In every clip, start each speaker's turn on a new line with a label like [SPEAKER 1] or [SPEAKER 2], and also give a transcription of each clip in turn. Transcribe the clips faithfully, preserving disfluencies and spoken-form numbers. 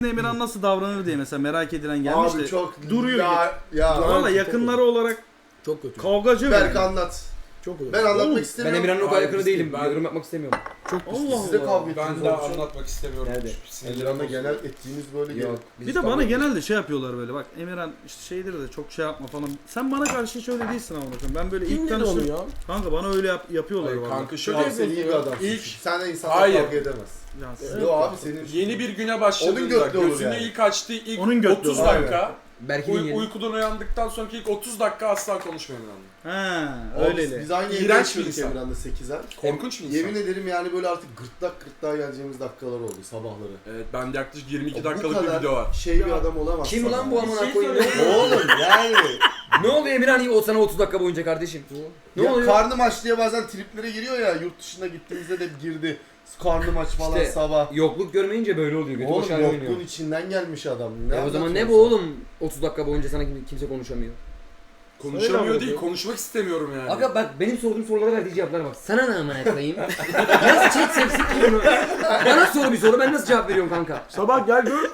[SPEAKER 1] Emirhan nasıl davranır diye mesela merak edilen gelmiş
[SPEAKER 2] Abi
[SPEAKER 1] de
[SPEAKER 2] çok
[SPEAKER 1] duruyor.
[SPEAKER 2] ya, ya.
[SPEAKER 1] Valla yakınları olarak
[SPEAKER 3] Çok kötü.
[SPEAKER 1] kavgacı
[SPEAKER 2] Berk
[SPEAKER 1] mı?
[SPEAKER 2] anlat.
[SPEAKER 3] Çok kötü.
[SPEAKER 2] Ben anlatmak
[SPEAKER 1] Oğlum,
[SPEAKER 3] Ben
[SPEAKER 2] istemiyorum.
[SPEAKER 3] Emirhan'ın o kadar
[SPEAKER 4] Hayır,
[SPEAKER 3] yakını
[SPEAKER 4] biz
[SPEAKER 3] değilim.
[SPEAKER 4] değil,
[SPEAKER 3] Ben
[SPEAKER 4] ben-
[SPEAKER 3] yorum yapmak istemiyorum.
[SPEAKER 2] Çok
[SPEAKER 1] Allah
[SPEAKER 2] Siz de
[SPEAKER 1] Allah.
[SPEAKER 2] kavga
[SPEAKER 4] Ben
[SPEAKER 2] ettiniz.
[SPEAKER 4] de
[SPEAKER 2] oğlum.
[SPEAKER 4] anlatmak istemiyorum.
[SPEAKER 3] Nerede?
[SPEAKER 2] Emirhan'la genel ettiğiniz böyle
[SPEAKER 3] Yok.
[SPEAKER 2] yok.
[SPEAKER 3] biz
[SPEAKER 1] Bir de
[SPEAKER 3] kavga
[SPEAKER 1] bana
[SPEAKER 3] ediyoruz.
[SPEAKER 1] genelde şey yapıyorlar böyle bak Emirhan işte şeydir de çok şey yapma falan. Sen bana karşı hiç öyle değilsin ama bakın. Ben böyle
[SPEAKER 3] Kim
[SPEAKER 1] ilk
[SPEAKER 3] dedi onu
[SPEAKER 1] tanıştım.
[SPEAKER 3] ya?
[SPEAKER 1] Kanka bana öyle yap, yapıyorlar
[SPEAKER 4] Hayır,
[SPEAKER 1] valla.
[SPEAKER 4] kanka şu
[SPEAKER 2] Abi
[SPEAKER 4] an
[SPEAKER 2] sen iyi bir adamsın.
[SPEAKER 4] İlk-
[SPEAKER 2] Sen de insanla
[SPEAKER 4] Hayır.
[SPEAKER 2] kavga edemez.
[SPEAKER 1] Ya,
[SPEAKER 3] Evet.
[SPEAKER 2] Yo abi senin
[SPEAKER 4] yeni bir güne
[SPEAKER 2] Onun
[SPEAKER 4] başladığında
[SPEAKER 2] götlü olur
[SPEAKER 4] gözünü
[SPEAKER 2] yani.
[SPEAKER 4] ilk açtığı ilk
[SPEAKER 1] Onun götlü
[SPEAKER 4] otuz
[SPEAKER 1] olur.
[SPEAKER 4] dakika
[SPEAKER 3] Belki
[SPEAKER 4] uy-
[SPEAKER 3] yeni.
[SPEAKER 4] uykudan uyandıktan sonraki ilk otuz dakika asla konuşmuyorum onunla.
[SPEAKER 1] Ha,
[SPEAKER 2] Abi
[SPEAKER 1] öyleli.
[SPEAKER 2] Biz aynı evde
[SPEAKER 4] İğrenç bir
[SPEAKER 2] yaşıyorduk
[SPEAKER 4] insan.
[SPEAKER 2] Emirhan'la sekiz ay.
[SPEAKER 4] Korkunç bir insan.
[SPEAKER 2] Yemin ederim yani böyle artık gırtlak gırtlağa geleceğimiz dakikalar oldu sabahları.
[SPEAKER 4] Evet, bende yaklaşık yirmi iki
[SPEAKER 2] Bu
[SPEAKER 4] dakikalık bir
[SPEAKER 2] kadar
[SPEAKER 4] video var.
[SPEAKER 2] şey bir adam olamaz.
[SPEAKER 3] Kim lan bu amına koyayım?
[SPEAKER 2] Oğlum yani.
[SPEAKER 3] Ne oluyor Emirhan o sana otuz dakika boyunca kardeşim? Ne
[SPEAKER 2] ya
[SPEAKER 3] oluyor?
[SPEAKER 2] karnım aç diye bazen triplere giriyor ya, yurt dışına gittiğimizde de girdi. Karnım aç falan
[SPEAKER 3] İşte
[SPEAKER 2] sabah.
[SPEAKER 3] Yokluk görmeyince böyle oluyor. Götü boş
[SPEAKER 2] Oğlum
[SPEAKER 3] hale oynuyor.
[SPEAKER 2] yokluğun içinden gelmiş adam. Ne
[SPEAKER 3] Ya o zaman ne
[SPEAKER 2] anlatıyorsun
[SPEAKER 3] bu
[SPEAKER 2] sen?
[SPEAKER 3] oğlum? otuz dakika boyunca sana kim- kimse konuşamıyor.
[SPEAKER 4] Konuşamıyor
[SPEAKER 3] Öyle
[SPEAKER 4] değil,
[SPEAKER 3] abi.
[SPEAKER 4] konuşmak istemiyorum yani.
[SPEAKER 3] Aga bak benim sorduğum sorulara verdiği cevaplara bak. Sana ne amına koyayım? Nasıl çek sepsin ki bunu? Bana sor bir soru ben nasıl cevap veriyorum kanka?
[SPEAKER 5] Sabah gel gör.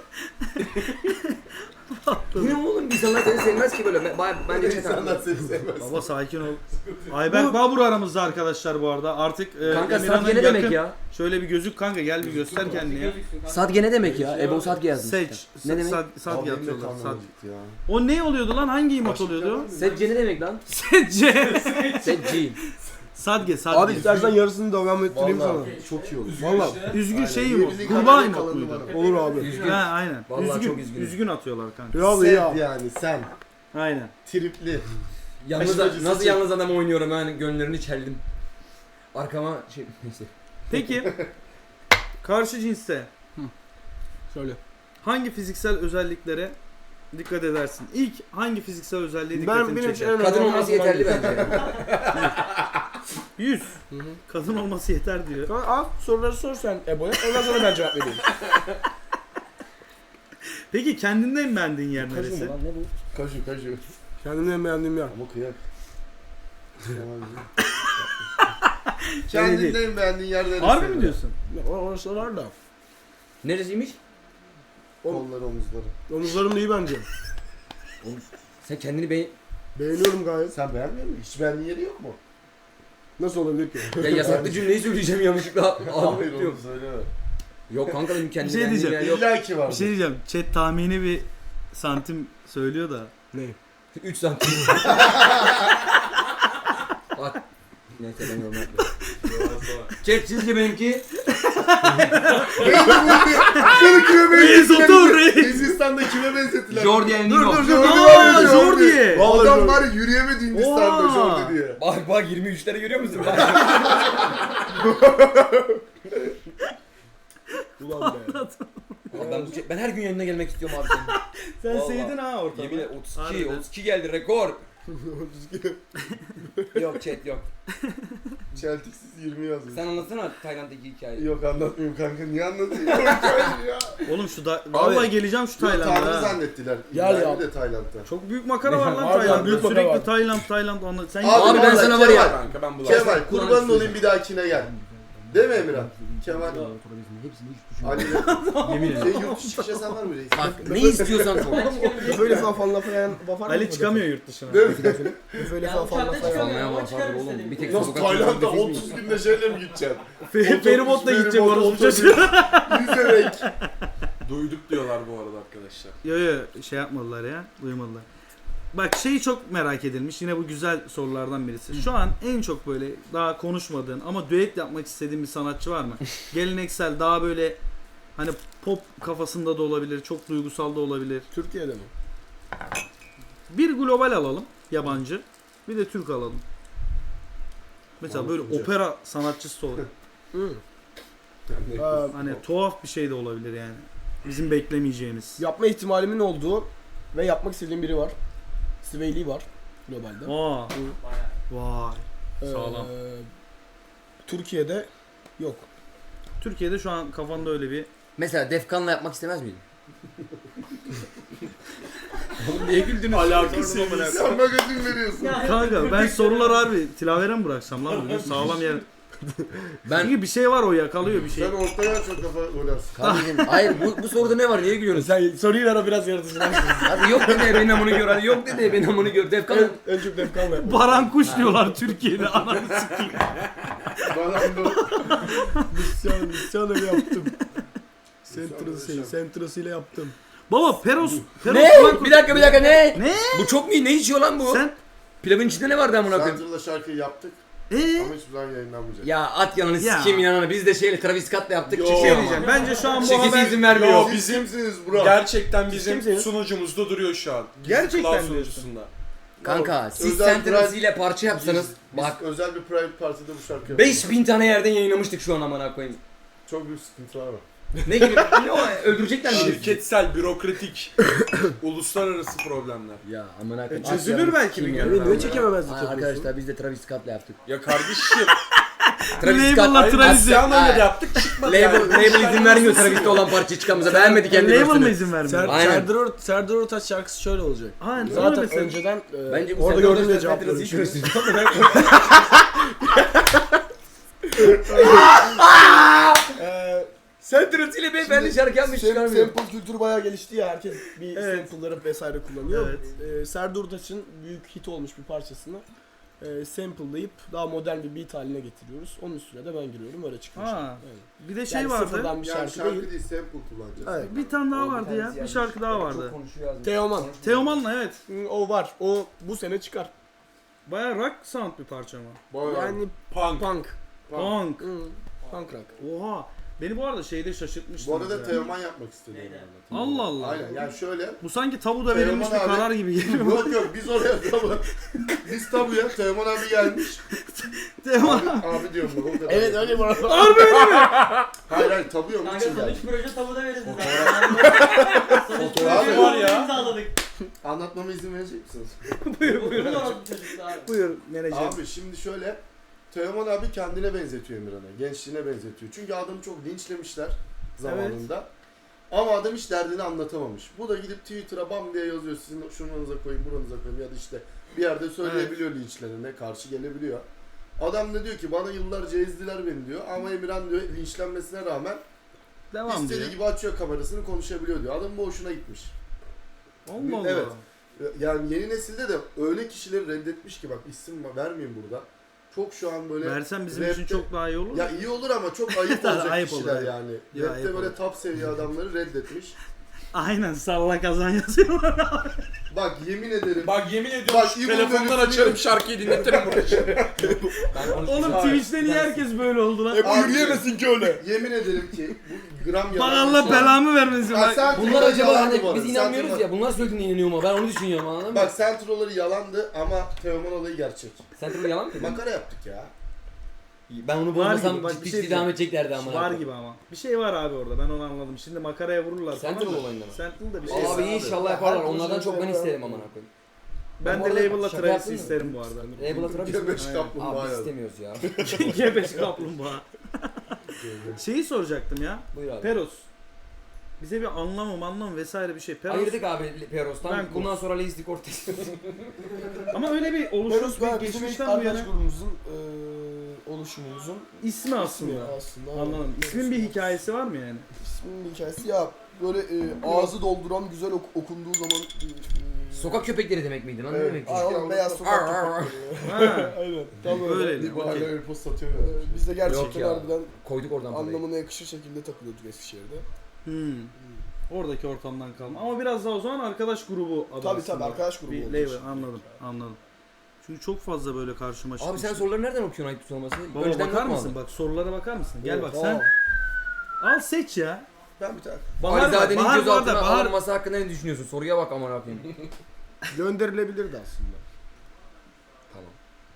[SPEAKER 3] Bu ne oğlum? İnsanlar seni sevmez ki böyle. Ben, bence çek
[SPEAKER 2] İnsanlar
[SPEAKER 3] abi.
[SPEAKER 2] seni sevmez.
[SPEAKER 1] Baba sakin ol. Ayberk Babur aramızda arkadaşlar bu arada. Artık e,
[SPEAKER 3] Kanka
[SPEAKER 1] Emirhan'ın
[SPEAKER 3] Sadge ne demek
[SPEAKER 1] yakın-
[SPEAKER 3] ya?
[SPEAKER 1] Şöyle bir gözük kanka gel bir göster kendini ya.
[SPEAKER 3] Sadge ne demek ya? Ebo Sadge yazmış.
[SPEAKER 1] Seç.
[SPEAKER 3] işte. Ne demek?
[SPEAKER 1] Sad,
[SPEAKER 2] Abi
[SPEAKER 1] Sadge
[SPEAKER 2] benim de
[SPEAKER 1] atıyorlar.
[SPEAKER 2] karnım
[SPEAKER 1] Sad.
[SPEAKER 2] acıktı ya.
[SPEAKER 1] O ne oluyordu lan? Hangi emot
[SPEAKER 2] Başka
[SPEAKER 1] oluyordu?
[SPEAKER 2] bir
[SPEAKER 3] Sedge ne demek lan?
[SPEAKER 1] Sedce.
[SPEAKER 3] Sedge.
[SPEAKER 1] Sadge, Sadge.
[SPEAKER 5] Abi istersen yarısını devam ettireyim sana.
[SPEAKER 2] Vallahi çok iyi olur.
[SPEAKER 5] Valla
[SPEAKER 1] Üzgün
[SPEAKER 2] Aynen.
[SPEAKER 1] şey emot.
[SPEAKER 2] Birbirinin
[SPEAKER 1] Kurbağa
[SPEAKER 2] kalanı
[SPEAKER 1] emot
[SPEAKER 2] kalanı
[SPEAKER 1] muydu?
[SPEAKER 2] bana.
[SPEAKER 5] olur abi.
[SPEAKER 3] Üzgün.
[SPEAKER 1] Ha aynen.
[SPEAKER 3] Vallahi
[SPEAKER 1] üzgün.
[SPEAKER 3] çok üzgünüm.
[SPEAKER 1] Üzgün atıyorlar kanka.
[SPEAKER 5] Ya
[SPEAKER 2] Sen
[SPEAKER 5] ya.
[SPEAKER 2] yani sen.
[SPEAKER 1] Aynen.
[SPEAKER 2] Tripli.
[SPEAKER 3] Yalnız
[SPEAKER 2] Aşırı
[SPEAKER 3] nasıl
[SPEAKER 2] acısı
[SPEAKER 3] yalnız adam oynuyorum ben gönüllerini çeldim. Arkama şey neyse.
[SPEAKER 1] Peki karşı cinste
[SPEAKER 5] Söyle.
[SPEAKER 1] hangi fiziksel özelliklere dikkat edersin? İlk hangi fiziksel özelliğe
[SPEAKER 5] Ben
[SPEAKER 1] dikkatini
[SPEAKER 5] benim için
[SPEAKER 1] çeker?
[SPEAKER 5] en
[SPEAKER 3] Kadın
[SPEAKER 5] önemli
[SPEAKER 3] olması
[SPEAKER 5] olan
[SPEAKER 3] yeterli
[SPEAKER 5] hangisi?
[SPEAKER 3] bence.
[SPEAKER 1] yüz.
[SPEAKER 5] Hı hı.
[SPEAKER 1] Kadın olması yeter diyor.
[SPEAKER 5] Tamam, al soruları sor sen Ebo'ya. Ondan sonra ben cevap vereyim.
[SPEAKER 1] Peki kendinden en beğendiğin yer
[SPEAKER 3] Kaşın
[SPEAKER 1] neresi?
[SPEAKER 3] lan ne bu?
[SPEAKER 2] Kaşu kaşu.
[SPEAKER 5] Kendimden beğendiğim yer.
[SPEAKER 2] Ama kıyak.
[SPEAKER 1] değil.
[SPEAKER 2] Kendinde en beğendiğin yer neresi?
[SPEAKER 1] Harbi mi diyorsun?
[SPEAKER 5] Ya, or- Orası var da.
[SPEAKER 3] Neresiymiş?
[SPEAKER 2] Kolları, omuzları.
[SPEAKER 5] Omuzlarım da iyi bence.
[SPEAKER 3] Sen kendini be...
[SPEAKER 5] Beğeniyorum gayet.
[SPEAKER 2] Sen beğenmiyor musun? Hiç beğendiğin yeri yok mu?
[SPEAKER 5] Nasıl olabilir ki?
[SPEAKER 3] Ya yasaklı cümleyi söyleyeceğim yanlışlıkla. Abi
[SPEAKER 2] Hayır onu
[SPEAKER 3] diyorum.
[SPEAKER 2] söyleme.
[SPEAKER 3] Yok kanka benim kendimi
[SPEAKER 1] Bir şey
[SPEAKER 3] beğendiğim
[SPEAKER 1] diyeceğim.
[SPEAKER 3] yer yok.
[SPEAKER 2] İlla ki var.
[SPEAKER 1] Bir şey diyeceğim. Chat tahmini bir santim söylüyor da.
[SPEAKER 5] Ne?
[SPEAKER 3] üç santim. Bak. Neyse ben yorum yapmıyorum. Çek sizce benimki.
[SPEAKER 2] Beni kime
[SPEAKER 1] Reis otur reis.
[SPEAKER 2] Hindistan'da kime benzettiler?
[SPEAKER 3] Jordi El
[SPEAKER 2] Dur
[SPEAKER 3] Nino.
[SPEAKER 2] dur dur.
[SPEAKER 1] Aa,
[SPEAKER 2] dur,
[SPEAKER 1] Jordi.
[SPEAKER 5] Vallahi
[SPEAKER 2] Adam
[SPEAKER 5] Jordi.
[SPEAKER 2] var ya yürüyemedi Hindistan'da
[SPEAKER 1] Oha.
[SPEAKER 2] Jordi diye.
[SPEAKER 3] Bak bak yirmi üçleri görüyor musun?
[SPEAKER 5] Ulan be.
[SPEAKER 3] ben, bu- ben her gün yanına gelmek istiyorum abi senin.
[SPEAKER 1] Sen
[SPEAKER 3] Vallahi.
[SPEAKER 1] sevdin ha ortamı.
[SPEAKER 3] Yemin ederim otuz iki,
[SPEAKER 1] Harbiden.
[SPEAKER 3] otuz iki geldi rekor. Yok chat yok.
[SPEAKER 2] Çeltiksiz yirmi yazmış.
[SPEAKER 3] Sen anlatsana Tayland'daki hikayeyi.
[SPEAKER 2] Yok anlatmıyorum kanka. Niye anlatayım? Hayır ya.
[SPEAKER 1] Oğlum şu da vallahi geleceğim şu
[SPEAKER 2] Yok, Tanrı
[SPEAKER 1] Tayland'a. ha.
[SPEAKER 2] zannettiler.
[SPEAKER 5] Gel
[SPEAKER 2] İbrahim'i
[SPEAKER 5] ya.
[SPEAKER 2] de Tayland'da.
[SPEAKER 1] Çok büyük makara var lan
[SPEAKER 5] Var ya,
[SPEAKER 1] Tayland'da.
[SPEAKER 5] büyük makara
[SPEAKER 1] Sürekli
[SPEAKER 5] var.
[SPEAKER 1] Tayland Tayland anlat. Sen
[SPEAKER 2] Abi,
[SPEAKER 3] Abi ben
[SPEAKER 2] vallahi
[SPEAKER 3] sana var ya.
[SPEAKER 2] Kemal,
[SPEAKER 4] Kanka ben bulaştım.
[SPEAKER 2] Kemal
[SPEAKER 3] Kur'an
[SPEAKER 2] kurbanın
[SPEAKER 3] istiyorsan.
[SPEAKER 2] olayım bir dahakine gel. Değil mi Emirhan? Kemal. Ali
[SPEAKER 3] Yemin ederim.
[SPEAKER 2] şey yurt dışı çıkış yasağın var mı reis?
[SPEAKER 3] Bak ne istiyorsan sor.
[SPEAKER 5] Böyle falan lafa yan vafar
[SPEAKER 1] Ali çıkamıyor yurt dışına.
[SPEAKER 2] Değil mi?
[SPEAKER 5] Böyle
[SPEAKER 6] Ya
[SPEAKER 5] falan
[SPEAKER 6] uçakta
[SPEAKER 5] lafa yan.
[SPEAKER 6] çıkamıyor.
[SPEAKER 3] Almaya
[SPEAKER 6] Ama
[SPEAKER 3] var
[SPEAKER 6] çıkarım
[SPEAKER 3] oğlum.
[SPEAKER 6] istediğim.
[SPEAKER 3] Bir tek
[SPEAKER 2] Nasıl
[SPEAKER 3] sokak
[SPEAKER 2] Tayland'da
[SPEAKER 3] nefis
[SPEAKER 2] otuz
[SPEAKER 3] miyim?
[SPEAKER 2] günde şeyle mi gideceksin?
[SPEAKER 1] Fe- Feribotla gidecek
[SPEAKER 2] feribot,
[SPEAKER 1] orası
[SPEAKER 2] otobüs,
[SPEAKER 1] çocuğu.
[SPEAKER 2] Yüzerek.
[SPEAKER 4] Duyduk diyorlar bu arada arkadaşlar.
[SPEAKER 1] Yo yo şey yapmadılar ya. Duymadılar. Bak şeyi çok merak edilmiş. Yine bu güzel sorulardan birisi. Şu an en çok böyle daha konuşmadığın ama düet yapmak istediğin bir sanatçı var mı? Geleneksel daha böyle hani pop kafasında da olabilir, çok duygusal da olabilir.
[SPEAKER 5] Türkiye'de mi?
[SPEAKER 1] Bir global alalım, yabancı. Bir de Türk alalım. Mesela böyle
[SPEAKER 2] Anlatınca.
[SPEAKER 1] opera sanatçısı olur.
[SPEAKER 5] Hı. Ee,
[SPEAKER 1] Hani tuhaf bir şey de olabilir yani. Bizim beklemeyeceğimiz.
[SPEAKER 5] yapma ihtimalimin olduğu ve yapmak istediğim biri var. Sway Lee var globalde.
[SPEAKER 1] Aa,
[SPEAKER 6] Bayağı.
[SPEAKER 1] vay.
[SPEAKER 5] Ee,
[SPEAKER 1] Sağlam.
[SPEAKER 5] Türkiye'de yok.
[SPEAKER 1] Türkiye'de şu an kafanda öyle bir
[SPEAKER 3] Mesela Defkan'la yapmak istemez miydin? Oğlum niye güldünüz?
[SPEAKER 4] Alakası
[SPEAKER 1] Sordum amına
[SPEAKER 2] Sen magazin veriyorsun.
[SPEAKER 1] kanka ben sorular harbi tilavere mi bıraksam lan bugün sağlam yer.
[SPEAKER 3] Ben
[SPEAKER 1] Çünkü bir şey var, o yakalıyor bir şey.
[SPEAKER 2] Sen ortaya çok kafa oynarsın.
[SPEAKER 3] kardeşim hayır bu, bu soruda ne var niye gülüyorsun?
[SPEAKER 5] Sen soruyu ver o biraz yaratıcılaşsın.
[SPEAKER 3] Hadi yok dedi ben amını gör hadi yok dedi ben amını gör Defkan.
[SPEAKER 5] en, en çok Defkan ver.
[SPEAKER 1] Baran kuş diyorlar Türkiye'de, ananı sikeyim.
[SPEAKER 2] Bana bu.
[SPEAKER 5] Misyon, misyon öyle yaptım. Centros'ı,
[SPEAKER 2] Misyon,
[SPEAKER 5] Centros'ıyla yaptım.
[SPEAKER 1] Baba Peros, Peros
[SPEAKER 3] Ne?
[SPEAKER 1] falan-
[SPEAKER 3] Bir dakika bir dakika ne?
[SPEAKER 1] Ne?
[SPEAKER 3] Bu çok mu iyi? Ne içiyor lan bu?
[SPEAKER 1] Sen
[SPEAKER 3] Pilavın içinde ne vardı amına koyayım?
[SPEAKER 2] Central'da şarkıyı yaptık
[SPEAKER 1] ee?
[SPEAKER 2] ama hiçbir zaman yayınlanmayacak.
[SPEAKER 3] Ya at yanını
[SPEAKER 1] Ya.
[SPEAKER 3] sikeyim yanını. Biz de şeyle Travis Scott'la yaptık.
[SPEAKER 2] Yo.
[SPEAKER 3] çıkıyor
[SPEAKER 1] Şey
[SPEAKER 3] ama.
[SPEAKER 1] diyeceğim. Bence şu an bu
[SPEAKER 3] Çekisi
[SPEAKER 1] haber
[SPEAKER 3] izin vermiyor.
[SPEAKER 4] Yo,
[SPEAKER 2] Siz
[SPEAKER 4] bizim
[SPEAKER 2] kimsiniz bro?
[SPEAKER 4] gerçekten bizim
[SPEAKER 5] kimsiniz?
[SPEAKER 4] sunucumuzda duruyor şu an. Gizli
[SPEAKER 1] Gerçekten
[SPEAKER 4] Cloud
[SPEAKER 1] diyorsun.
[SPEAKER 4] sunucusunda.
[SPEAKER 3] Kanka siz
[SPEAKER 2] Özel
[SPEAKER 3] Sentinels
[SPEAKER 2] Pride-
[SPEAKER 3] ile parça yapsanız
[SPEAKER 2] Biz
[SPEAKER 3] bak
[SPEAKER 2] özel bir private partide bu şarkı yaptık.
[SPEAKER 3] beş bin tane yerden yayınlamıştık şu an amına koyayım.
[SPEAKER 2] Çok büyük sıkıntılar var.
[SPEAKER 3] Ne gibi? Ne o? Öldürecekler mi? bizi?
[SPEAKER 4] Şirketsel, bürokratik, uluslararası problemler.
[SPEAKER 3] Ya amına koyayım.
[SPEAKER 1] E, çözülür belki bir gün.
[SPEAKER 5] Beni niye çekememezlik
[SPEAKER 3] Ay,
[SPEAKER 5] yapıyorsun?
[SPEAKER 3] arkadaşlar biz de Travis Scott'la yaptık.
[SPEAKER 4] Ya kardeşim,
[SPEAKER 3] Travis
[SPEAKER 1] Label'la
[SPEAKER 3] Scott
[SPEAKER 1] Travis- Travis'i-
[SPEAKER 4] Asyanlarla
[SPEAKER 3] Ay.
[SPEAKER 4] da yaptık çıkmadı
[SPEAKER 3] Label,
[SPEAKER 4] yani.
[SPEAKER 3] label izin vermiyor Travis'te olan parçayı çıkamıza. Beğenmedi kendi
[SPEAKER 1] Label mı
[SPEAKER 3] versiyonu.
[SPEAKER 1] izin vermiyor?
[SPEAKER 5] Ser,
[SPEAKER 3] Aynen.
[SPEAKER 5] Serdar, Or- Serdar Ortaç şarkısı şöyle olacak.
[SPEAKER 1] Aynen.
[SPEAKER 5] Zaten
[SPEAKER 1] Mesela-
[SPEAKER 5] önceden e,
[SPEAKER 3] Bence bu
[SPEAKER 5] orada
[SPEAKER 3] Serdar
[SPEAKER 5] gördüğüm de
[SPEAKER 3] Ortaç'la
[SPEAKER 5] cevap
[SPEAKER 3] Sentinels'i
[SPEAKER 5] veriyorum.
[SPEAKER 3] karıştırıyor.
[SPEAKER 5] Eee
[SPEAKER 3] Sentinels ile beyefendi şarkı yapmış
[SPEAKER 5] Sam-
[SPEAKER 3] çıkarmıyor.
[SPEAKER 5] Sample kültürü bayağı gelişti ya, herkes bir
[SPEAKER 1] Evet.
[SPEAKER 5] sample'ları vesaire kullanıyor.
[SPEAKER 1] Evet.
[SPEAKER 5] Ee, Serdar Ortaç'ın büyük hit olmuş bir parçasını e, sample'layıp daha modern bir beat haline getiriyoruz. Onun üstüne de ben giriyorum, öyle çıkmış.
[SPEAKER 1] Ha.
[SPEAKER 5] Evet.
[SPEAKER 1] Bir de şey
[SPEAKER 5] Yani
[SPEAKER 1] vardı.
[SPEAKER 5] sıfırdan bir
[SPEAKER 2] Yani
[SPEAKER 5] şarkı,
[SPEAKER 2] şarkı
[SPEAKER 5] değil.
[SPEAKER 2] değil, sample kullanacağız.
[SPEAKER 5] Evet.
[SPEAKER 1] Bir tane daha vardı ya. Bir şarkı daha vardı.
[SPEAKER 5] Teoman.
[SPEAKER 1] Teoman'la evet.
[SPEAKER 5] Hı, O var. O bu sene çıkar.
[SPEAKER 1] Baya rock sound bir parça mı?
[SPEAKER 2] Bayağı.
[SPEAKER 5] Yani
[SPEAKER 4] Punk.
[SPEAKER 5] punk.
[SPEAKER 1] Punk.
[SPEAKER 5] Hı, punk rock.
[SPEAKER 1] Oha. Beni bu arada şeyde şaşırtmıştı.
[SPEAKER 2] Bu arada Teoman yapmak istedim. yani.
[SPEAKER 1] Allah Allah.
[SPEAKER 2] Aynen yani şöyle.
[SPEAKER 1] Bu sanki tabuda verilmiş bir
[SPEAKER 2] Teoman abi-
[SPEAKER 1] karar gibi geliyor.
[SPEAKER 2] Yok yok biz oraya tabu. Biz tabuya Teoman abi gelmiş.
[SPEAKER 1] Teoman.
[SPEAKER 2] Abi, abi diyorum ben o kadar.
[SPEAKER 5] Evet öyle bu arada.
[SPEAKER 2] Hayır hayır tabuya onun
[SPEAKER 6] Kanka
[SPEAKER 2] için
[SPEAKER 6] son
[SPEAKER 2] gelmiş.
[SPEAKER 6] üç proje tabuda verirsin
[SPEAKER 2] Fotoğraf
[SPEAKER 6] zaten.
[SPEAKER 2] var
[SPEAKER 4] ya.
[SPEAKER 6] İmzaladık.
[SPEAKER 2] Anlatmama izin verecek misiniz?
[SPEAKER 1] buyur buyur.
[SPEAKER 6] Bunun orası çocuktu abi.
[SPEAKER 1] Buyur menajer.
[SPEAKER 2] Abi şimdi şöyle. Teoman abi kendine benzetiyor Emirhan'a. Gençliğine benzetiyor. Çünkü adamı çok linçlemişler zamanında. Ama adam hiç derdini anlatamamış. Bu da gidip Twitter'a bam diye yazıyor. Sizin şuranıza koyun, buranıza koyun ya da işte bir yerde söyleyebiliyor linçlerine, karşı gelebiliyor. Adam da diyor ki bana yıllarca ezdiler beni diyor ama Emirhan diyor linçlenmesine rağmen
[SPEAKER 1] Devam
[SPEAKER 2] istediği
[SPEAKER 1] diyor.
[SPEAKER 2] gibi açıyor kamerasını konuşabiliyor diyor. Adamın bu hoşuna gitmiş.
[SPEAKER 1] Allah Allah.
[SPEAKER 2] Evet. Yani yeni nesilde de öyle kişileri reddetmiş ki bak isim vermeyeyim burada. Çok şu an böyle
[SPEAKER 1] Versen bizim
[SPEAKER 2] rapte-
[SPEAKER 1] için çok daha iyi olur.
[SPEAKER 2] ya iyi olur ama çok ayıp olacak
[SPEAKER 1] Ayıp olur,
[SPEAKER 2] kişiler
[SPEAKER 1] ayıp.
[SPEAKER 2] yani.
[SPEAKER 1] Ya,
[SPEAKER 2] Rapte
[SPEAKER 1] ayıp
[SPEAKER 2] böyle
[SPEAKER 1] olur.
[SPEAKER 2] top seviye adamları reddetmiş.
[SPEAKER 1] Aynen salla kazan yazıyorlar.
[SPEAKER 2] Bak yemin ederim.
[SPEAKER 4] Bak yemin ediyorum
[SPEAKER 2] Bak,
[SPEAKER 4] şu
[SPEAKER 2] İbo
[SPEAKER 4] telefondan
[SPEAKER 2] görüntüsü-
[SPEAKER 4] açarım şarkıyı dinletirim burada şimdi.
[SPEAKER 1] Oğlum Twitch'te niye herkes böyle oldu lan?
[SPEAKER 5] E bu
[SPEAKER 2] Abi-
[SPEAKER 5] yürüyemezsin ki öyle.
[SPEAKER 2] Yemin ederim ki bu gram
[SPEAKER 1] Bak
[SPEAKER 2] yalan.
[SPEAKER 1] Allah
[SPEAKER 2] bir şey.
[SPEAKER 1] belamı vermesin.
[SPEAKER 2] Ha,
[SPEAKER 1] Bak.
[SPEAKER 2] sen
[SPEAKER 3] Bunlar
[SPEAKER 2] troller
[SPEAKER 3] acaba
[SPEAKER 2] yalandı
[SPEAKER 3] hani
[SPEAKER 2] bu arada.
[SPEAKER 3] biz
[SPEAKER 2] Sen
[SPEAKER 3] inanmıyoruz
[SPEAKER 2] troller-
[SPEAKER 3] ya bunlar söylediğinde inanıyor mu? Ben onu düşünüyorum anladın mı?
[SPEAKER 2] Bak sen trolleri yalandı ama Teoman olayı gerçek.
[SPEAKER 3] Sentinel yalan mı?
[SPEAKER 2] Makara yaptık ya.
[SPEAKER 3] Ben onu
[SPEAKER 1] Var
[SPEAKER 3] bulmasam
[SPEAKER 1] gibi, bak bir
[SPEAKER 3] ciddi
[SPEAKER 1] şey
[SPEAKER 3] ciddi devam edeceklerdi ama.
[SPEAKER 1] Var gibi ama. Bir şey var abi orada, ben onu anladım. Şimdi makaraya vururlar.
[SPEAKER 3] Sentinel
[SPEAKER 1] tamam mı?
[SPEAKER 3] olayında mı?
[SPEAKER 1] Sentinel de bir şey.
[SPEAKER 3] Abi
[SPEAKER 2] Abi.
[SPEAKER 3] inşallah yaparlar.
[SPEAKER 5] Her
[SPEAKER 3] Onlardan
[SPEAKER 5] proje
[SPEAKER 3] çok ben
[SPEAKER 5] yapıyorlar.
[SPEAKER 3] isterim amına koyayım.
[SPEAKER 1] Ben
[SPEAKER 3] Bu
[SPEAKER 1] de
[SPEAKER 3] arada
[SPEAKER 1] label'la
[SPEAKER 3] şaka
[SPEAKER 1] Travis'i
[SPEAKER 3] yaptın mı?
[SPEAKER 1] isterim bu arada.
[SPEAKER 3] Label'a Travis mi?
[SPEAKER 2] Göbeş
[SPEAKER 1] Aynen.
[SPEAKER 2] kaplumbağa
[SPEAKER 3] Abi biz
[SPEAKER 2] yazdı.
[SPEAKER 3] istemiyoruz ya.
[SPEAKER 1] Gebeş kaplumbağa. Şeyi soracaktım ya.
[SPEAKER 3] Buyur abi.
[SPEAKER 1] Peros. Bize bir anlamı anlamı vesaire bir şey. Peros.
[SPEAKER 3] Ayırdık abi Peros'tan.
[SPEAKER 1] Ben
[SPEAKER 3] Bundan sonra Lazy Cortez.
[SPEAKER 1] Ama öyle bir
[SPEAKER 5] Peros
[SPEAKER 1] oluşmuş
[SPEAKER 5] ben
[SPEAKER 1] bir
[SPEAKER 5] bizim ilk
[SPEAKER 1] geçmişten bu
[SPEAKER 5] arkadaş
[SPEAKER 1] yana
[SPEAKER 5] grubumuzun eee oluşumumuzun
[SPEAKER 1] ismi aslında.
[SPEAKER 5] ismi aslında.
[SPEAKER 1] Anladım. İsmin bir hikayesi var mı yani?
[SPEAKER 5] İsminin hikayesi ya böyle e, ağzı dolduran güzel ok- okunduğu zaman e,
[SPEAKER 3] Sokak köpekleri demek miydi lan? Ne
[SPEAKER 2] Evet.
[SPEAKER 3] demek?
[SPEAKER 5] Aa, oğlum, beyaz
[SPEAKER 3] Ar,
[SPEAKER 5] sokak
[SPEAKER 3] ar, ar.
[SPEAKER 5] köpekleri.
[SPEAKER 1] Ha.
[SPEAKER 5] Aynen. Tam öyle.
[SPEAKER 1] Öyle.
[SPEAKER 2] Bir bahane
[SPEAKER 1] Okey.
[SPEAKER 2] öyle post satıyor.
[SPEAKER 5] Ee, Biz de
[SPEAKER 3] Yok
[SPEAKER 5] gerçekten
[SPEAKER 3] ya.
[SPEAKER 5] harbiden
[SPEAKER 3] Koyduk oradan parayı.
[SPEAKER 5] anlamına yakışır şekilde takılıyorduk Eskişehir'de.
[SPEAKER 1] Hmm. Oradaki ortamdan kalma. Ama biraz daha o zaman arkadaş grubu adı
[SPEAKER 5] Tabii
[SPEAKER 1] aslında.
[SPEAKER 5] tabii arkadaş grubu
[SPEAKER 1] Bir
[SPEAKER 5] olduğu
[SPEAKER 1] label,
[SPEAKER 5] için.
[SPEAKER 1] anladım anladım. Çünkü çok fazla böyle karşıma çıkmış.
[SPEAKER 3] Abi sen soruları nereden okuyorsun ayıp sorması?
[SPEAKER 1] Baba
[SPEAKER 3] Önceden
[SPEAKER 1] bakar
[SPEAKER 3] not mu
[SPEAKER 1] mısın?
[SPEAKER 3] aldın?
[SPEAKER 1] Bak sorulara bakar mısın? Gel bak
[SPEAKER 5] Aa,
[SPEAKER 1] sen al seç ya.
[SPEAKER 5] Ben bir tane.
[SPEAKER 1] Bahar var,
[SPEAKER 3] Alizade'nin
[SPEAKER 1] Bahar var
[SPEAKER 3] gözaltına
[SPEAKER 1] da Bahar.
[SPEAKER 3] alınması hakkında ne düşünüyorsun? Soruya bak aman abim.
[SPEAKER 5] Gönderilebilirdi aslında.
[SPEAKER 3] Tamam.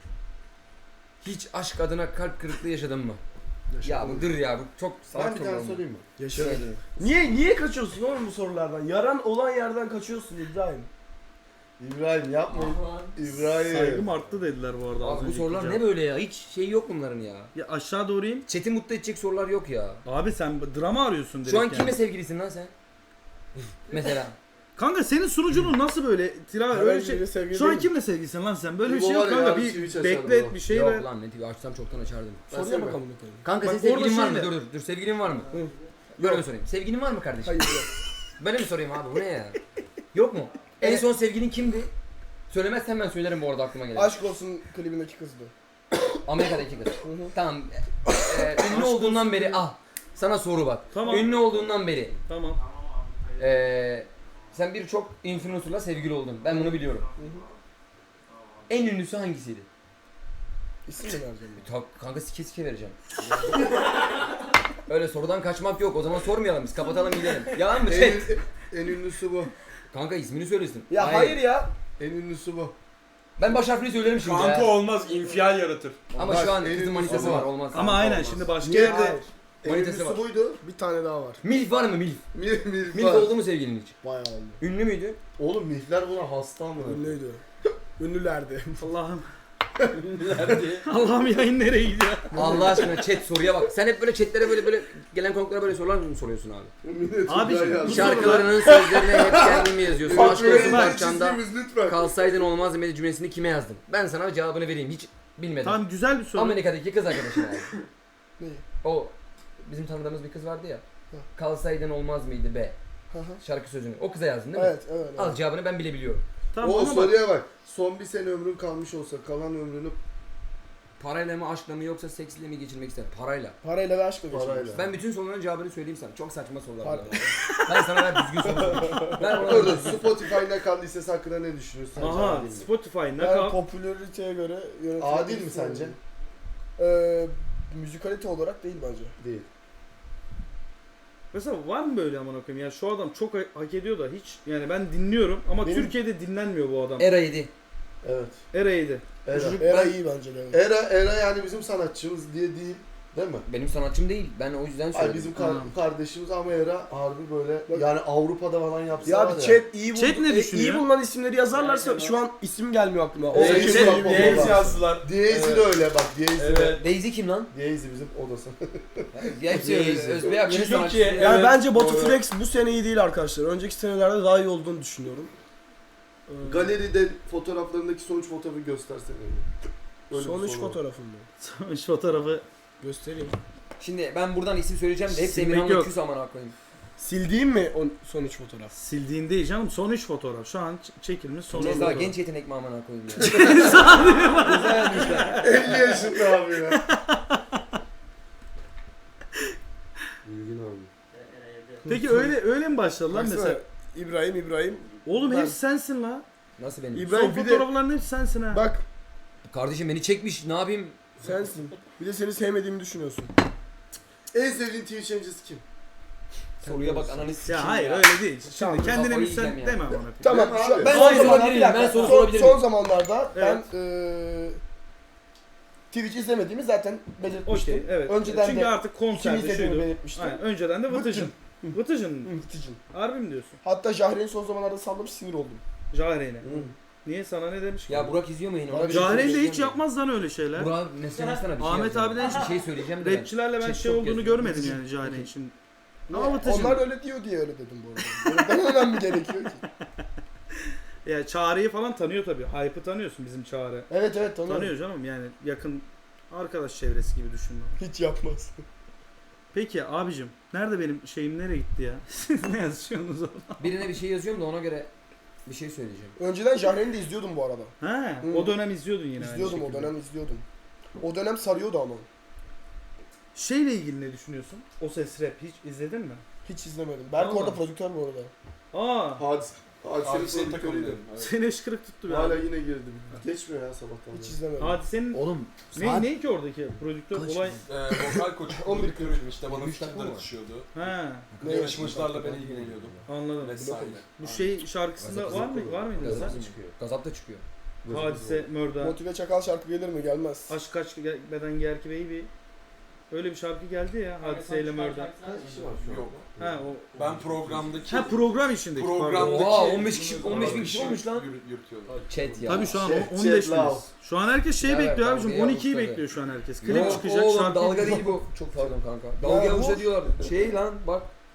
[SPEAKER 3] Hiç aşk adına kalp kırıklığı yaşadın mı? Ya
[SPEAKER 5] Yaşadım.
[SPEAKER 3] bu dır ya bu çok salak
[SPEAKER 2] Ben bir tane
[SPEAKER 3] sorular bu.
[SPEAKER 2] sorayım mı?
[SPEAKER 5] Yaşadım.
[SPEAKER 3] Şöyle.
[SPEAKER 5] Niye niye kaçıyorsun oğlum bu sorulardan? Yaran olan yerden kaçıyorsun İbrahim.
[SPEAKER 2] İbrahim yapma. İbrahim.
[SPEAKER 1] Saygım arttı dediler bu arada. az
[SPEAKER 3] Abi bu
[SPEAKER 1] önceki
[SPEAKER 3] sorular
[SPEAKER 1] cevap.
[SPEAKER 3] ne böyle ya? Hiç şey yok bunların ya.
[SPEAKER 1] Ya aşağı doğru in.
[SPEAKER 3] Chat'i mutlu edecek sorular yok ya.
[SPEAKER 1] Abi sen drama arıyorsun direkt
[SPEAKER 3] Şu an
[SPEAKER 1] yani.
[SPEAKER 3] kimle sevgilisin lan sen? Mesela.
[SPEAKER 1] Kanka senin sunucunun nasıl böyle Tilaver
[SPEAKER 5] Herhangi
[SPEAKER 1] öyle şey.
[SPEAKER 5] biriyle sevgili
[SPEAKER 1] Şu an
[SPEAKER 5] değilim.
[SPEAKER 1] kimle sevgilisin lan sen? Böyle bir
[SPEAKER 2] Bu
[SPEAKER 1] şey
[SPEAKER 2] var
[SPEAKER 1] yok
[SPEAKER 2] ya,
[SPEAKER 1] kanka.
[SPEAKER 2] abi,
[SPEAKER 1] Bir
[SPEAKER 2] Twitch açardı
[SPEAKER 1] beklet
[SPEAKER 2] o.
[SPEAKER 1] bir şey
[SPEAKER 3] Yok
[SPEAKER 1] ver.
[SPEAKER 3] lan ne tipi açsam çoktan açardım.
[SPEAKER 5] Soruya
[SPEAKER 2] Versene.
[SPEAKER 5] bakalım bakalım.
[SPEAKER 3] Kanka
[SPEAKER 1] Bak
[SPEAKER 3] senin
[SPEAKER 1] orada
[SPEAKER 3] sevgilin var mı?
[SPEAKER 1] şeyle-
[SPEAKER 3] Dur dur dur sevgilin var mı?
[SPEAKER 5] Hı.
[SPEAKER 3] Böyle mi sorayım? Sevgilin var mı kardeşim?
[SPEAKER 5] Hayır yok.
[SPEAKER 3] Böyle mi sorayım abi bu ne ya? Yok mu? En son sevgilin kimdi? Söylemezsen ben söylerim bu arada aklıma gelir.
[SPEAKER 5] Aşk olsun klibindeki kızdı.
[SPEAKER 3] Amerika'daki kız.
[SPEAKER 5] Hı hı.
[SPEAKER 3] Tamam. Ee, ünlü olduğundan beri ah sana soru bak.
[SPEAKER 1] Tamam.
[SPEAKER 3] Ünlü olduğundan beri
[SPEAKER 1] Tamam.
[SPEAKER 3] ee, sen birçok influencer'la sevgili oldun. Ben bunu biliyorum.
[SPEAKER 5] Hı hı.
[SPEAKER 3] En ünlüsü hangisiydi?
[SPEAKER 5] İsim mi vereceğim?
[SPEAKER 3] Ta, kanka sike sike vereceğim. Öyle sorudan kaçmak yok. O zaman sormayalım biz. Kapatalım gidelim. Yalan mı?
[SPEAKER 2] En,
[SPEAKER 3] Chat.
[SPEAKER 2] en ünlüsü bu.
[SPEAKER 3] Kanka ismini söylesin.
[SPEAKER 5] Ya hayır, ya.
[SPEAKER 2] En ünlüsü bu.
[SPEAKER 3] Ben baş harfini söylerim şimdi
[SPEAKER 4] Kanka
[SPEAKER 3] ya.
[SPEAKER 4] olmaz, infial yaratır.
[SPEAKER 3] Ama
[SPEAKER 2] Bak,
[SPEAKER 3] şu an
[SPEAKER 2] en
[SPEAKER 3] kızın
[SPEAKER 2] ünlüsü
[SPEAKER 3] manitası
[SPEAKER 2] bu.
[SPEAKER 3] var. Olmaz.
[SPEAKER 1] Ama aynen
[SPEAKER 2] olmaz.
[SPEAKER 1] şimdi başka
[SPEAKER 2] Niye?
[SPEAKER 1] yerde
[SPEAKER 5] Hayır.
[SPEAKER 2] En
[SPEAKER 3] Manitası
[SPEAKER 2] ünlüsü
[SPEAKER 3] var.
[SPEAKER 2] buydu.
[SPEAKER 5] Bir tane daha var.
[SPEAKER 3] Milf var mı Milf?
[SPEAKER 2] Mil, milf
[SPEAKER 3] Milf
[SPEAKER 2] var.
[SPEAKER 3] oldu mu sevgilin hiç?
[SPEAKER 5] Bayağı oldu.
[SPEAKER 3] Ünlü müydü?
[SPEAKER 2] Oğlum milfler buna hasta mı?
[SPEAKER 5] Ünlüydü. Ünlülerdi.
[SPEAKER 1] Allah'ım. Allah'ım yayın nereye gidiyor?
[SPEAKER 3] Allah aşkına chat soruya bak. Sen hep böyle chatlere böyle böyle gelen konuklara böyle sorular mı soruyorsun abi?
[SPEAKER 2] Millet
[SPEAKER 1] Abiciğim,
[SPEAKER 2] güzel
[SPEAKER 1] bu
[SPEAKER 2] yazdı.
[SPEAKER 3] Şarkılarının sözlerini hep kendin mi yazıyorsun? Aşk olsun
[SPEAKER 2] Patronun
[SPEAKER 3] parçanda
[SPEAKER 2] çizgimiz lütfen.
[SPEAKER 3] kalsaydın olmaz demedi cümlesini kime yazdın? Ben sana cevabını vereyim. Hiç bilmedim.
[SPEAKER 1] Tamam güzel bir soru.
[SPEAKER 3] Amerika'daki kız arkadaşın abi.
[SPEAKER 5] Ne?
[SPEAKER 3] O bizim tanıdığımız bir kız vardı ya.
[SPEAKER 5] Hı.
[SPEAKER 3] Kalsaydın olmaz mıydı be?
[SPEAKER 5] Hı hı.
[SPEAKER 3] Şarkı sözünü. O kıza yazdın değil mi?
[SPEAKER 5] Evet, evet.
[SPEAKER 3] Al
[SPEAKER 5] evet.
[SPEAKER 3] cevabını ben bile biliyorum.
[SPEAKER 1] Tamam
[SPEAKER 2] O
[SPEAKER 1] ama bak.
[SPEAKER 2] soruya bak. Son bir sene ömrün kalmış olsa kalan ömrünü
[SPEAKER 3] Parayla mı aşkla mı yoksa seksle mi geçirmek ister? Parayla.
[SPEAKER 5] Parayla ve aşkla
[SPEAKER 2] Parayla.
[SPEAKER 5] geçirmiş.
[SPEAKER 3] Ben bütün soruların cevabını söyleyeyim sana. Çok saçma sorular
[SPEAKER 5] Para.
[SPEAKER 3] bunlar. Ben sana ver düzgün soru sorayım. Ben ona
[SPEAKER 2] Orada Spotify nakal listesi hakkında ne düşünüyorsun?
[SPEAKER 1] Aha
[SPEAKER 2] Adil mi?
[SPEAKER 1] Spotify ne
[SPEAKER 5] Yani
[SPEAKER 1] kadar?
[SPEAKER 5] popülariteye göre yönetilen
[SPEAKER 2] Adil
[SPEAKER 5] bir
[SPEAKER 2] mi
[SPEAKER 5] isim
[SPEAKER 2] sence?
[SPEAKER 5] oldu. Ee, müzikalite olarak değil bence.
[SPEAKER 2] Değil.
[SPEAKER 1] Mesela var mı böyle aman okuyayım ya şu adam çok ha- hak ediyor da hiç yani ben dinliyorum ama
[SPEAKER 5] Benim-
[SPEAKER 1] Türkiye'de dinlenmiyor bu adam.
[SPEAKER 3] Era yedi.
[SPEAKER 2] Evet.
[SPEAKER 1] Eray'dı.
[SPEAKER 2] Era.
[SPEAKER 3] Çocuk-
[SPEAKER 5] Era
[SPEAKER 3] Ben-
[SPEAKER 5] iyi bence de.
[SPEAKER 2] Era, Era yani bizim sanatçımız diye değil. Değil mi?
[SPEAKER 3] Benim sanatçım değil. Ben o yüzden
[SPEAKER 2] Ay
[SPEAKER 3] söyledim.
[SPEAKER 2] bizim kar-
[SPEAKER 1] Tamam.
[SPEAKER 2] kardeşimiz ama Era harbi böyle
[SPEAKER 5] Bak-
[SPEAKER 2] yani Avrupa'da falan yapsa
[SPEAKER 5] Ya
[SPEAKER 2] var
[SPEAKER 5] bir
[SPEAKER 2] ya.
[SPEAKER 5] chat iyi,
[SPEAKER 1] Chat
[SPEAKER 5] buldu,
[SPEAKER 1] ne
[SPEAKER 5] e,
[SPEAKER 1] düşünüyor?
[SPEAKER 5] iyi bulunan isimleri yazarlarsa şu an isim gelmiyor aklıma. O
[SPEAKER 2] Evet,
[SPEAKER 5] isim
[SPEAKER 2] şey
[SPEAKER 5] iyi
[SPEAKER 2] bak,
[SPEAKER 5] bir-
[SPEAKER 2] Daisy
[SPEAKER 4] yazdılar.
[SPEAKER 2] Daisy de öyle bak Daisy de.
[SPEAKER 4] Evet.
[SPEAKER 3] Daisy kim lan?
[SPEAKER 2] Daisy bizim odası.
[SPEAKER 3] Gerçi
[SPEAKER 1] Daisy.
[SPEAKER 3] Özbey abi yeni
[SPEAKER 4] Çünkü
[SPEAKER 3] sanatçı.
[SPEAKER 4] ki-
[SPEAKER 5] Yani
[SPEAKER 4] Evet,
[SPEAKER 5] bence Batu
[SPEAKER 4] doğru.
[SPEAKER 5] Flex bu sene iyi değil arkadaşlar. Önceki senelerde daha iyi olduğunu düşünüyorum. Ee,
[SPEAKER 2] Galeride fotoğraflarındaki sonuç fotoğrafı göstersene. Öyle bir
[SPEAKER 5] Son üç
[SPEAKER 2] soru var.
[SPEAKER 5] fotoğrafım mı?
[SPEAKER 1] Sonuç fotoğrafı
[SPEAKER 5] Göstereyim.
[SPEAKER 3] Şimdi ben buradan isim söyleyeceğim de hep
[SPEAKER 1] Silmek
[SPEAKER 3] Emirhan'la
[SPEAKER 1] yok.
[SPEAKER 3] küs amına koyayım.
[SPEAKER 5] Sildiğim mi o son üç fotoğraf?
[SPEAKER 1] sildiğin değil canım son üç fotoğraf şu an ç- çekilmiş son üç
[SPEAKER 3] Ceza
[SPEAKER 1] fotoğraf.
[SPEAKER 3] genç yetenek mi amına koyayım ya. Ceza yazmışlar.
[SPEAKER 2] elli yaşında abi ya. Bilgin abi.
[SPEAKER 1] Peki öyle öyle mi başladı lan
[SPEAKER 5] Baksana,
[SPEAKER 1] mesela?
[SPEAKER 5] İbrahim İbrahim.
[SPEAKER 1] Oğlum
[SPEAKER 5] Ben-
[SPEAKER 1] hepsi sensin la.
[SPEAKER 3] Nasıl benim?
[SPEAKER 5] İbrahim
[SPEAKER 1] Son
[SPEAKER 5] bir de
[SPEAKER 1] fotoğrafların hepsi sensin ha.
[SPEAKER 5] bak
[SPEAKER 3] Kardeşim beni çekmiş ne yapayım?
[SPEAKER 5] sensin. Bir de seni sevmediğimi düşünüyorsun.
[SPEAKER 2] En sevdiğin Twitch yayıncısı kim?
[SPEAKER 3] Soruya bak ananı sikeyim
[SPEAKER 1] Ya hayır
[SPEAKER 3] ya.
[SPEAKER 1] öyle değil. Şimdi
[SPEAKER 3] Tamam,
[SPEAKER 1] kendine
[SPEAKER 3] kafayı
[SPEAKER 1] müsait
[SPEAKER 3] yiyeceğim ya.
[SPEAKER 1] deme amına koyayım.
[SPEAKER 5] Tamam.
[SPEAKER 2] Ben
[SPEAKER 5] Şu,
[SPEAKER 2] abi.
[SPEAKER 5] ben
[SPEAKER 3] Son
[SPEAKER 5] son zamanlarda
[SPEAKER 3] sorabilir
[SPEAKER 5] bir
[SPEAKER 3] miyim?
[SPEAKER 5] dakika.
[SPEAKER 3] Ben soru
[SPEAKER 5] son,
[SPEAKER 3] sorabilir
[SPEAKER 5] son
[SPEAKER 3] miyim?
[SPEAKER 5] zamanlarda
[SPEAKER 1] Evet.
[SPEAKER 5] ben eee Twitch izlemediğimi zaten belirtmiştim.
[SPEAKER 1] Okey evet.
[SPEAKER 5] Önceden
[SPEAKER 1] Çünkü
[SPEAKER 5] de
[SPEAKER 1] artık
[SPEAKER 5] kim
[SPEAKER 1] konserde
[SPEAKER 5] izlediğimi
[SPEAKER 1] şuydu.
[SPEAKER 5] belirtmiştim.
[SPEAKER 1] Aynen. Önceden de Vıtıcın. Vıtıcın mı?
[SPEAKER 5] Vıtıcın.
[SPEAKER 1] Harbi mi diyorsun?
[SPEAKER 5] Hatta Jahre'nin son zamanlarda sallamış sinir oldum.
[SPEAKER 1] Jahire'yle. Niye sana ne demiş ki?
[SPEAKER 3] Ya Burak izliyor mu yine?
[SPEAKER 5] Bana bir
[SPEAKER 1] Jahire'yle
[SPEAKER 3] Söyleyeceğim
[SPEAKER 1] hiç
[SPEAKER 3] de.
[SPEAKER 1] yapmaz lan öyle şeyler.
[SPEAKER 3] Burak mesela sana bir şey
[SPEAKER 1] Ahmet
[SPEAKER 3] yazacağım.
[SPEAKER 1] abiden
[SPEAKER 3] bir şey söyleyeceğim de ben.
[SPEAKER 1] Rapçilerle ben
[SPEAKER 3] Chat
[SPEAKER 1] şey
[SPEAKER 3] çok
[SPEAKER 1] olduğunu
[SPEAKER 3] yazıyor.
[SPEAKER 1] görmedim yani Jahire'nin şimdi.
[SPEAKER 5] Ne?
[SPEAKER 1] Ama Vıtıcın.
[SPEAKER 5] Onlar öyle diyor diye öyle dedim bu arada. Benim önemli gerekiyor ki.
[SPEAKER 1] Ya Çağrı'yı falan tanıyor tabii. Hype'ı tanıyorsun bizim Çağrı.
[SPEAKER 5] Evet evet tanıyorum.
[SPEAKER 1] Tanıyor canım yani yakın arkadaş çevresi gibi düşün.
[SPEAKER 5] Hiç yapmaz.
[SPEAKER 1] Peki abicim nerede benim şeyim nereye gitti ya? Siz ne yazıyorsunuz orada?
[SPEAKER 3] Birine bir şey yazıyorum da ona göre bir şey söyleyeceğim.
[SPEAKER 5] Önceden Jahre'ni de izliyordum bu arada.
[SPEAKER 1] Ha,
[SPEAKER 5] Hı.
[SPEAKER 1] o dönem izliyordun yine
[SPEAKER 5] İzliyordum
[SPEAKER 1] aynı
[SPEAKER 5] o
[SPEAKER 1] şekilde.
[SPEAKER 5] dönem izliyordum. O dönem sarıyordu ama.
[SPEAKER 1] Şeyle ilgili ne düşünüyorsun? O Ses Rap hiç izledin mi?
[SPEAKER 5] Hiç izlemedim. Berk
[SPEAKER 1] Vallahi.
[SPEAKER 5] orada prodüktör bu arada.
[SPEAKER 1] Aa,
[SPEAKER 2] Hadise.
[SPEAKER 4] Abi
[SPEAKER 2] Hadisenin
[SPEAKER 4] senin
[SPEAKER 2] prodüktörüydü.
[SPEAKER 4] takımındayım. Evet.
[SPEAKER 1] seni eşkırık tuttu ya.
[SPEAKER 2] Hala yine girdi. Geçmiyor ya sabahtan
[SPEAKER 5] Hiç
[SPEAKER 2] beri.
[SPEAKER 5] izlemedim.
[SPEAKER 1] Hadisenin
[SPEAKER 3] Oğlum
[SPEAKER 1] ne, ne ki oradaki prodüktör
[SPEAKER 3] Kaç
[SPEAKER 1] olay?
[SPEAKER 4] Ee, vokal koçu
[SPEAKER 5] on bir
[SPEAKER 4] prodüktörüydüm işte bana
[SPEAKER 3] Üç dakika
[SPEAKER 4] fikirler
[SPEAKER 3] mı?
[SPEAKER 4] atışıyordu.
[SPEAKER 1] Ha,
[SPEAKER 5] Ne?
[SPEAKER 4] Yarışmacılarla ben ilgileniyordum.
[SPEAKER 1] anladım.
[SPEAKER 4] Vesaire.
[SPEAKER 1] Bu şey şarkısında var mı? Var mıydı
[SPEAKER 3] Gazap
[SPEAKER 1] sen?
[SPEAKER 3] da çıkıyor. Gazap da çıkıyor.
[SPEAKER 1] Hadise, Mörda,
[SPEAKER 5] Motive Çakal şarkı gelir mi? Gelmez.
[SPEAKER 1] Aşk Kaç Beden Giyer Ki Baby. Öyle bir şarkı geldi ya Hadise ile Mörda.
[SPEAKER 2] Kaç kişi var şu an?
[SPEAKER 4] Yok.
[SPEAKER 1] Ha o.
[SPEAKER 4] Ben programdaki
[SPEAKER 1] Ha program içindeki pardon.
[SPEAKER 4] programdaki
[SPEAKER 3] Oha, on beş kişi- on beş bin kişi olmuş lan.
[SPEAKER 4] Yürü- Yürütüyordum.
[SPEAKER 3] Chat ya.
[SPEAKER 1] Tabii şu an
[SPEAKER 2] Chat,
[SPEAKER 1] on beş
[SPEAKER 2] chat
[SPEAKER 1] biniz.
[SPEAKER 2] love.
[SPEAKER 1] Şu an herkes şey
[SPEAKER 3] Ya ver,
[SPEAKER 1] bekliyor abicim.
[SPEAKER 3] dalga
[SPEAKER 1] on ikiyi
[SPEAKER 3] yavuz
[SPEAKER 1] bekliyor şu an herkes.
[SPEAKER 3] Yok
[SPEAKER 1] Klip çıkacak
[SPEAKER 3] oğlum
[SPEAKER 1] şarkı.
[SPEAKER 3] dalga değil bu. Çok pardon kanka. Dalga
[SPEAKER 5] Ya
[SPEAKER 3] yavuşa
[SPEAKER 5] bu-
[SPEAKER 3] diyorlar. Şey lan bak.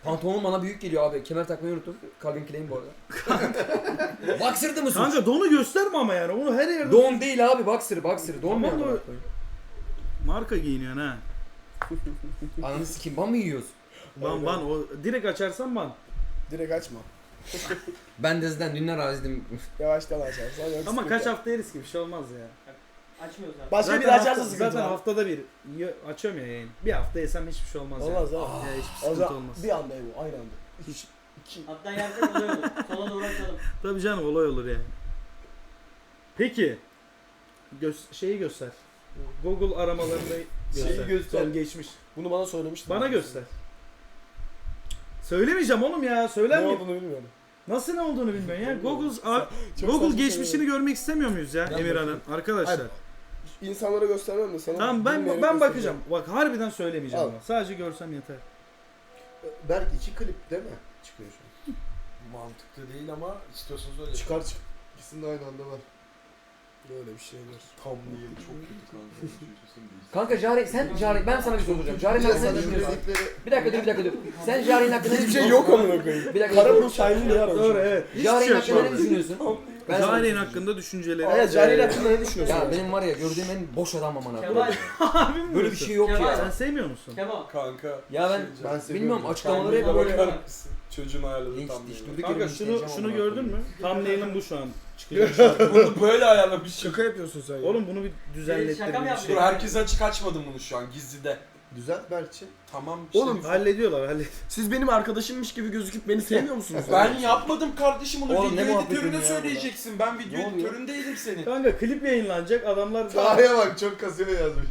[SPEAKER 3] Pantolonum bana büyük geliyor abi. Kemer takmayı unuttum. Calvin Klein bu arada. Boxer'dı mı suç?
[SPEAKER 1] Kanka donu gösterme ama yani. Onu her yerde...
[SPEAKER 3] Don değil abi, boxer, boxer. Don
[SPEAKER 1] Tamam
[SPEAKER 3] mu
[SPEAKER 1] da-
[SPEAKER 3] ya?
[SPEAKER 1] Marka giyiniyorsun ha.
[SPEAKER 3] Ananı sikeyim, ban mı yiyoruz?
[SPEAKER 1] Ban ban. O direkt açarsan ban.
[SPEAKER 5] Direkt açma.
[SPEAKER 3] Ben de zaten dünler razıydım.
[SPEAKER 5] Yavaştan açarsan. yok
[SPEAKER 1] Ama
[SPEAKER 5] sıkıntı
[SPEAKER 1] kaç
[SPEAKER 5] yok.
[SPEAKER 1] hafta yeriz ki bir şey olmaz ya.
[SPEAKER 6] Açmıyoruz abi.
[SPEAKER 5] Başka
[SPEAKER 1] Zaten
[SPEAKER 5] biri açarsa
[SPEAKER 1] hafta-
[SPEAKER 5] sıkıntı
[SPEAKER 1] Zaten
[SPEAKER 5] var.
[SPEAKER 1] haftada bir y- açıyorum ya yayın. Bir hafta yesem hiçbir şey olmaz,
[SPEAKER 5] Olmaz
[SPEAKER 1] yani.
[SPEAKER 5] ha.
[SPEAKER 1] Ya hiçbir
[SPEAKER 5] O
[SPEAKER 1] sıkıntı
[SPEAKER 5] zaman
[SPEAKER 1] olmaz.
[SPEAKER 5] bir anda bu aynı anda.
[SPEAKER 1] Hiç.
[SPEAKER 5] İki.
[SPEAKER 6] Hatta yersek olay olur. Sola doğru açalım.
[SPEAKER 1] Tabii canım olay olur yani. Peki. Gö- şeyi göster. Google aramalarında göster.
[SPEAKER 5] Şeyi göster.
[SPEAKER 1] Son geçmiş.
[SPEAKER 5] Bunu bana söylemiştin.
[SPEAKER 1] Bana göster. Söylemeyeceğim oğlum ya. Söyler
[SPEAKER 5] Ne
[SPEAKER 1] miyim?
[SPEAKER 5] olduğunu bilmiyorum.
[SPEAKER 1] Nasıl ne olduğunu bilmiyorum ya. Google
[SPEAKER 5] Çok
[SPEAKER 1] Google
[SPEAKER 5] saçma
[SPEAKER 1] geçmişini
[SPEAKER 5] şeyler.
[SPEAKER 1] görmek istemiyor muyuz ya
[SPEAKER 5] Ben
[SPEAKER 1] Emirhan'ın? Arkadaşlar.
[SPEAKER 5] Hayır. İnsanlara göstermem de sana.
[SPEAKER 1] Tamam ben
[SPEAKER 5] bilmeyerek
[SPEAKER 1] ben
[SPEAKER 5] göstereceğim.
[SPEAKER 1] bakacağım. Bak harbiden söylemeyeceğim
[SPEAKER 5] Al.
[SPEAKER 1] ama. Sadece görsem yeter.
[SPEAKER 2] Berk iki klip değil mi? Çıkıyor şu an.
[SPEAKER 4] Mantıklı değil ama istiyorsanız öyle.
[SPEAKER 2] Çıkar çık. İkisinin de aynı anda var.
[SPEAKER 5] Böyle bir şeyler.
[SPEAKER 4] Tam değil, çok kötü kanka.
[SPEAKER 3] Kanka Jare, sen Jare, ben sana bir soru soracağım. Jare'nin
[SPEAKER 2] Bir de
[SPEAKER 3] hakkında ne
[SPEAKER 2] sana
[SPEAKER 3] düşünüyorsun?
[SPEAKER 2] kredikleri...
[SPEAKER 3] Bir dakika dur, bir dakika dur. Sen Jare'nin hakkında ne
[SPEAKER 5] Hiçbir şey
[SPEAKER 3] düşünüyorsun?
[SPEAKER 5] yok amına koyayım.
[SPEAKER 3] Bir dakika.
[SPEAKER 5] Kara bu Shine'li ya.
[SPEAKER 1] Doğru evet. Hiçbir şey
[SPEAKER 3] Jare'nin
[SPEAKER 1] yok
[SPEAKER 3] hakkında ne
[SPEAKER 1] abi.
[SPEAKER 3] düşünüyorsun? Ben sana-
[SPEAKER 1] Jare'nin hakkında düşünceleri.
[SPEAKER 5] Evet, Cahil
[SPEAKER 1] Ee,
[SPEAKER 5] hakkında ne düşünüyorsun?
[SPEAKER 3] Ya benim var ya gördüğüm en boş adam amına
[SPEAKER 6] Kemal.
[SPEAKER 3] koyayım.
[SPEAKER 1] Abi mi
[SPEAKER 3] Böyle bir
[SPEAKER 1] diyorsun?
[SPEAKER 3] şey yok
[SPEAKER 6] Kemal.
[SPEAKER 1] Sen
[SPEAKER 3] ya.
[SPEAKER 1] sevmiyor musun?
[SPEAKER 6] Kemal.
[SPEAKER 4] Kanka.
[SPEAKER 3] Ya ben-
[SPEAKER 4] bir şey
[SPEAKER 2] Ben
[SPEAKER 4] diyeceğim.
[SPEAKER 2] seviyorum.
[SPEAKER 3] Bilmiyorum açıklamaları hep
[SPEAKER 6] Kendine
[SPEAKER 3] böyle.
[SPEAKER 6] bakar
[SPEAKER 4] Çocuğun ayarladığı
[SPEAKER 3] Linç,
[SPEAKER 4] tam
[SPEAKER 3] diş,
[SPEAKER 4] değil.
[SPEAKER 3] durduk
[SPEAKER 1] Kanka
[SPEAKER 3] yere
[SPEAKER 1] şunu
[SPEAKER 3] linçleneceğim
[SPEAKER 1] şunu
[SPEAKER 3] amına
[SPEAKER 1] gördün
[SPEAKER 3] koyayım.
[SPEAKER 1] mü? Thumbnail'ın bu şu an çıkacak.
[SPEAKER 4] Bunu böyle ayarlamış.
[SPEAKER 5] Şaka yapıyorsun sen ya.
[SPEAKER 1] Oğlum bunu bir düzenlettir
[SPEAKER 6] Şaka mı
[SPEAKER 1] bir
[SPEAKER 6] yaptın?
[SPEAKER 1] şey.
[SPEAKER 4] Dur herkes açık açmadım bunu şu an gizlide.
[SPEAKER 2] Düzelt Berkçi.
[SPEAKER 4] Tamam işte.
[SPEAKER 5] Oğlum,
[SPEAKER 1] Hallediyorlar hallet.
[SPEAKER 5] siz benim arkadaşımmış gibi gözüküp beni sevmiyor musunuz?
[SPEAKER 4] Ben yapmadım kardeşim onu
[SPEAKER 3] Oğlum ne
[SPEAKER 4] video
[SPEAKER 3] muhabbet
[SPEAKER 4] editörüne
[SPEAKER 3] ediyorsun ya
[SPEAKER 4] söyleyeceksin. Ben video
[SPEAKER 3] Ne oluyor?
[SPEAKER 4] editöründeydim senin.
[SPEAKER 1] Kanka klip yayınlanacak adamlar da
[SPEAKER 2] Taha'ya bak çok kasıyor yazmış.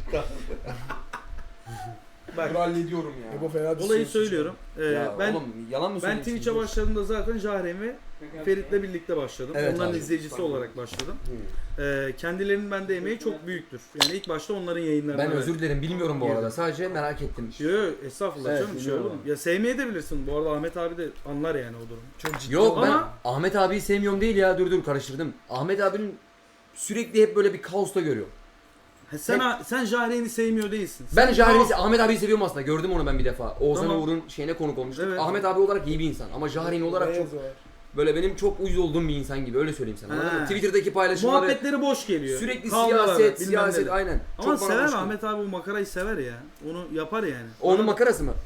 [SPEAKER 1] bak
[SPEAKER 4] Dur hallediyorum ya.
[SPEAKER 5] Bu fena
[SPEAKER 1] olayı
[SPEAKER 5] düşünüyorsun.
[SPEAKER 1] söylüyorum. Ee,
[SPEAKER 3] Ya
[SPEAKER 1] ben
[SPEAKER 3] oğlum yalan mı
[SPEAKER 1] ben
[SPEAKER 3] söylüyorsun?
[SPEAKER 1] Twitch'e başladığımda zaten Jahren ve Ferit'le birlikte başladım.
[SPEAKER 3] Evet
[SPEAKER 1] Onların
[SPEAKER 3] abi.
[SPEAKER 1] izleyicisi olarak başladım. Ee, kendilerinin bende emeği çok büyüktür. Yani ilk başta onların yayınlarına
[SPEAKER 3] Ben
[SPEAKER 1] ver-
[SPEAKER 3] özür dilerim bilmiyorum bu
[SPEAKER 1] Girdim.
[SPEAKER 3] arada. Sadece merak ettim.
[SPEAKER 1] Yo yo estağfurullah
[SPEAKER 3] Evet,
[SPEAKER 1] canım bir şey olur mu?
[SPEAKER 3] biliyorum.
[SPEAKER 1] Ya sevmeye de bilirsin. Bu arada Ahmet abi de anlar yani o durumu.
[SPEAKER 5] Çok ciddi.
[SPEAKER 3] Yok ben
[SPEAKER 1] Ama-
[SPEAKER 3] Ahmet abiyi sevmiyorum değil ya, dur dur karıştırdım. Ahmet abinin sürekli hep böyle bir kaosta görüyorum.
[SPEAKER 1] Ha, sen sen Jahren'i sevmiyor değilsin.
[SPEAKER 3] Ben
[SPEAKER 1] Sen
[SPEAKER 3] Jaren'i,
[SPEAKER 1] kaos-
[SPEAKER 3] Ahmet abiyi seviyorum aslında. Gördüm onu ben bir defa. Oğuzhan
[SPEAKER 1] Tamam.
[SPEAKER 3] Uğur'un şeyine konuk olmuştuk.
[SPEAKER 1] Evet.
[SPEAKER 3] Ahmet abi olarak iyi bir insan ama Jaren olarak çok
[SPEAKER 5] Beyaz var.
[SPEAKER 3] böyle benim çok uyuz olduğum bir insan gibi, öyle söyleyeyim sana. Anladın mı?
[SPEAKER 1] Ha.
[SPEAKER 3] Twitter'daki paylaşımları
[SPEAKER 1] Muhabbetleri boş geliyor.
[SPEAKER 3] sürekli
[SPEAKER 1] Kavgalar,
[SPEAKER 3] siyaset,
[SPEAKER 1] bilmem
[SPEAKER 3] siyaset
[SPEAKER 1] neler.
[SPEAKER 3] aynen.
[SPEAKER 1] Ama
[SPEAKER 3] Çok bana
[SPEAKER 1] sever
[SPEAKER 3] hoş geliyor.
[SPEAKER 1] Ahmet abi bu makarayı sever ya. Onu yapar yani.
[SPEAKER 3] Onun makarası mı?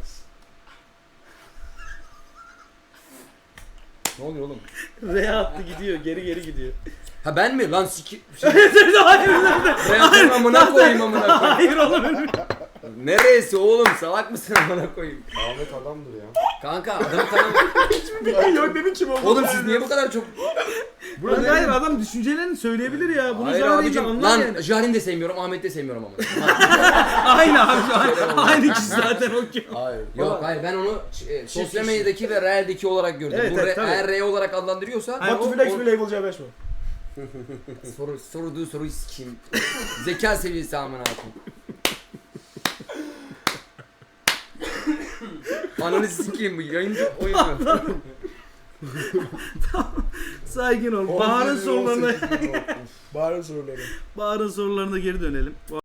[SPEAKER 3] Ne oluyor oğlum?
[SPEAKER 1] R attı gidiyor, geri geri gidiyor.
[SPEAKER 3] Ha ben mi? Lan siki... Şey,
[SPEAKER 1] hayır,
[SPEAKER 3] Reaktörün amına koyayım amına koyayım.
[SPEAKER 1] hayır oğlum.
[SPEAKER 3] Neresi oğlum? Salak mısın amına koyayım?
[SPEAKER 2] Ahmet adamdır ya.
[SPEAKER 3] Kanka adamı tanım.
[SPEAKER 5] Yok demin kim oldu?
[SPEAKER 3] Oğlum siz niye bu kadar çok...
[SPEAKER 1] Burada hayır adam düşüncelerini söyleyebilir ya. Bunu
[SPEAKER 3] Hayır
[SPEAKER 1] Jahren'i de
[SPEAKER 3] abicim,
[SPEAKER 1] anlar
[SPEAKER 3] lan
[SPEAKER 1] yani.
[SPEAKER 3] Jaren'i de sevmiyorum, Ahmet'i de sevmiyorum ama.
[SPEAKER 1] Aynı abi. Aynı, aynı kişi zaten o ki.
[SPEAKER 2] Hayır.
[SPEAKER 3] Yok hayır, ben onu e, sosyal medyadaki ve realdeki olarak gördüm.
[SPEAKER 1] Evet,
[SPEAKER 3] Bu
[SPEAKER 1] evet,
[SPEAKER 3] re,
[SPEAKER 1] tabii.
[SPEAKER 3] eğer R olarak adlandırıyorsa...
[SPEAKER 1] Hayır,
[SPEAKER 5] Batu
[SPEAKER 1] o-
[SPEAKER 5] Flex
[SPEAKER 1] o-
[SPEAKER 5] mi Label C beş mi?
[SPEAKER 3] Soru, sorduğu soruyu sikeyim. Zeka seviyesi amına koyayım. Ananı sikeyim bu yayıncı oyun mu?
[SPEAKER 1] Sakin ol. Bahar'ın sorularına
[SPEAKER 5] Bahar'ın soruları.
[SPEAKER 1] Bahar'ın sorularına geri dönelim.